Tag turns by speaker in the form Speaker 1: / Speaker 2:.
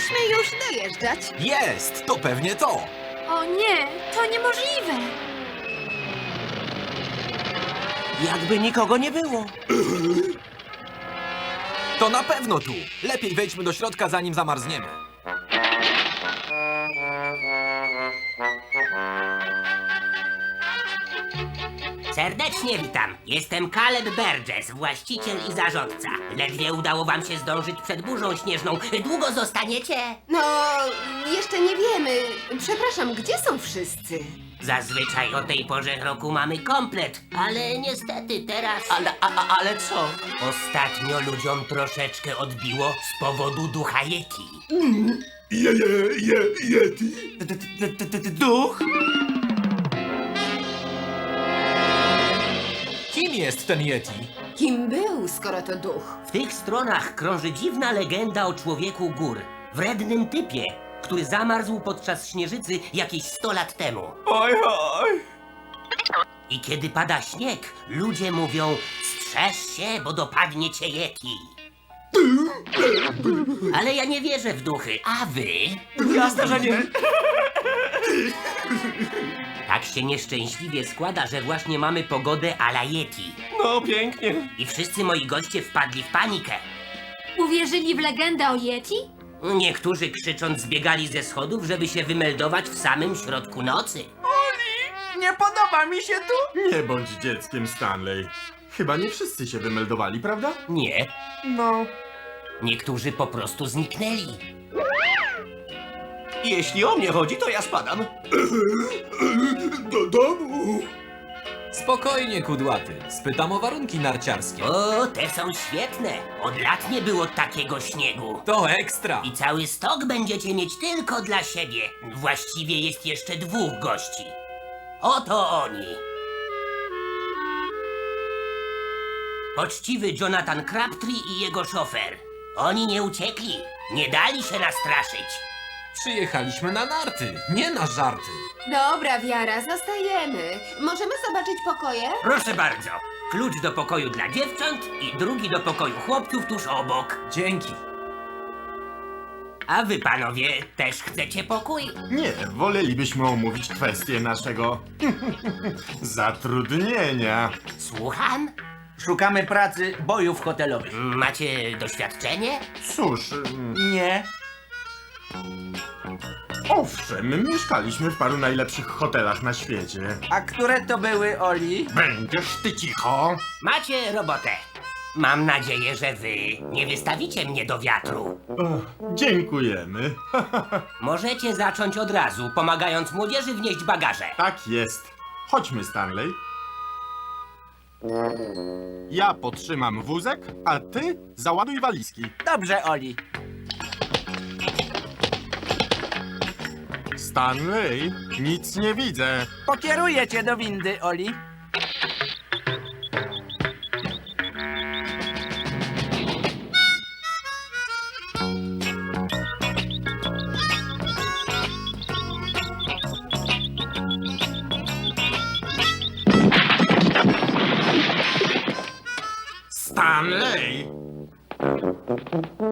Speaker 1: powinniśmy już dojeżdżać.
Speaker 2: Jest! To pewnie to!
Speaker 3: O nie, to niemożliwe.
Speaker 4: Jakby nikogo nie było.
Speaker 2: To na pewno tu! Lepiej wejdźmy do środka, zanim zamarzniemy.
Speaker 5: Serdecznie witam. Jestem Caleb Burgess, właściciel i zarządca. Ledwie udało wam się zdążyć przed burzą śnieżną. Długo zostaniecie?
Speaker 1: No, jeszcze nie wiemy. Przepraszam, gdzie są wszyscy?
Speaker 5: Zazwyczaj o tej porze roku mamy komplet, ale niestety teraz...
Speaker 4: Ale co?
Speaker 5: Ostatnio ludziom troszeczkę odbiło z powodu ducha Yeti.
Speaker 6: Yeti?
Speaker 4: Duch?
Speaker 2: Kim jest ten Yeti?
Speaker 1: Kim był, skoro to duch?
Speaker 5: W tych stronach krąży dziwna legenda o człowieku gór. Wrednym typie, który zamarzł podczas śnieżycy jakieś 100 lat temu.
Speaker 4: Oj, oj.
Speaker 5: I kiedy pada śnieg, ludzie mówią: strzeż się, bo dopadnie cię Yeti. Ale ja nie wierzę w duchy, a wy?
Speaker 4: Jasne, że nie.
Speaker 5: Tak się nieszczęśliwie składa, że właśnie mamy pogodę a la Yeti.
Speaker 4: No, pięknie.
Speaker 5: I wszyscy moi goście wpadli w panikę.
Speaker 3: Uwierzyli w legendę o Yeti?
Speaker 5: Niektórzy krzycząc zbiegali ze schodów, żeby się wymeldować w samym środku nocy.
Speaker 4: Nie podoba mi się tu.
Speaker 6: Nie bądź dzieckiem, Stanley. Chyba nie wszyscy się wymeldowali, prawda?
Speaker 5: Nie,
Speaker 6: No.
Speaker 5: niektórzy po prostu zniknęli.
Speaker 4: Jeśli o mnie chodzi, to ja spadam.
Speaker 6: Do domu.
Speaker 2: Spokojnie, kudłaty. Spytam o warunki narciarskie.
Speaker 5: O, te są świetne. Od lat nie było takiego śniegu.
Speaker 2: To ekstra!
Speaker 5: I cały stok będziecie mieć tylko dla siebie. Właściwie jest jeszcze 2 gości. Oto oni. Poczciwy Jonathan Crabtree i jego szofer. Oni nie uciekli. Nie dali się nastraszyć.
Speaker 2: Przyjechaliśmy na narty, nie na żarty.
Speaker 1: Dobra, Wiara, zostajemy. Możemy zobaczyć pokoje?
Speaker 5: Proszę bardzo. Klucz do pokoju dla dziewcząt i drugi do pokoju chłopców tuż obok.
Speaker 2: Dzięki.
Speaker 5: A wy, panowie, też chcecie pokój?
Speaker 6: Nie, wolelibyśmy omówić kwestię naszego zatrudnienia.
Speaker 5: Słucham?
Speaker 4: Szukamy pracy, bojów hotelowych.
Speaker 5: Macie doświadczenie?
Speaker 6: Cóż,
Speaker 4: Nie.
Speaker 6: owszem, mieszkaliśmy w paru najlepszych hotelach na świecie.
Speaker 4: A które to były, Oli?
Speaker 6: Będziesz ty cicho?
Speaker 5: Macie robotę. Mam nadzieję, że wy nie wystawicie mnie do wiatru.
Speaker 6: Dziękujemy.
Speaker 5: Możecie zacząć od razu, pomagając młodzieży wnieść bagaże.
Speaker 6: Tak jest. Chodźmy, Stanley. Ja podtrzymam wózek, a ty załaduj walizki.
Speaker 4: Dobrze, Oli.
Speaker 6: Stanley, nic nie widzę.
Speaker 4: Pokieruję cię do windy, Oli.
Speaker 6: Stanley!